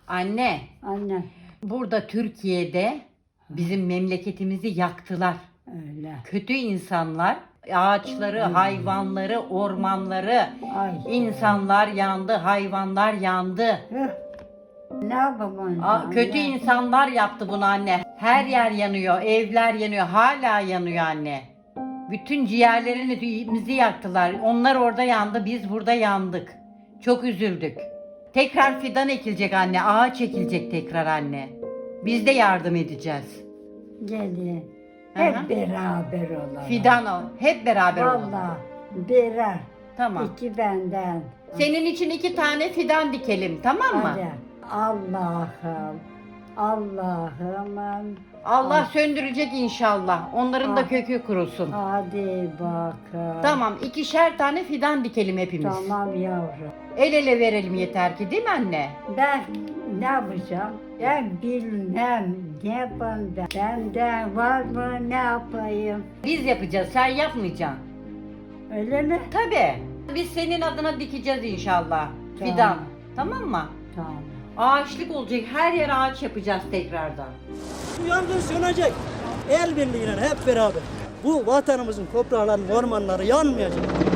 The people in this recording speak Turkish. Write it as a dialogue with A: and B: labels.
A: Anne,
B: Anne
A: burada Türkiye'de bizim memleketimizi yaktılar.
B: öyle.
A: Kötü insanlar ağaçları, hayvanları, ormanları,
B: Ay.
A: insanlar yandı, hayvanlar yandı.
B: Hıh. Ne yapalım?
A: Kötü insanlar yaptı bunu anne. Her yer yanıyor, evler yanıyor, hala yanıyor anne. Bütün ciğerlerimizi yaktılar. Onlar orada yandı, biz burada yandık. Çok üzüldük. Tekrar fidan ekilecek anne, ağaç ekilecek tekrar anne. Biz de yardım edeceğiz.
B: Gelin.
A: Aha.
B: Hep beraber olalım.
A: Fidan o, hep beraber olalım.
B: Vallahi birer.
A: Tamam.
B: İki benden.
A: Senin için 2 tane fidan dikelim, tamam mı?
B: Hadi. Allah'ım. Allah'ım.
A: Allah söndürecek inşallah. Onların da
B: Ah.
A: kökü kurusun.
B: Hadi bakalım.
A: Tamam, 2'şer tane fidan dikelim hepimiz.
B: Tamam yavrum.
A: El ele verelim yeter ki, değil mi anne?
B: Ben ne yapacağım? Ben bilmem ne yapayım ben. Benden var mı ne yapayım?
A: Biz yapacağız, sen yapmayacaksın.
B: Öyle mi?
A: Tabii. Biz senin adına dikeceğiz inşallah.
B: Tamam.
A: Fidan. Tamam mı?
B: Tamam.
A: Ağaçlık olacak. Her yer ağaç yapacağız tekrardan.
C: Bu yangın sönecek. El birliğiyle hep beraber. Bu vatanımızın toprağları, ormanları yanmayacak.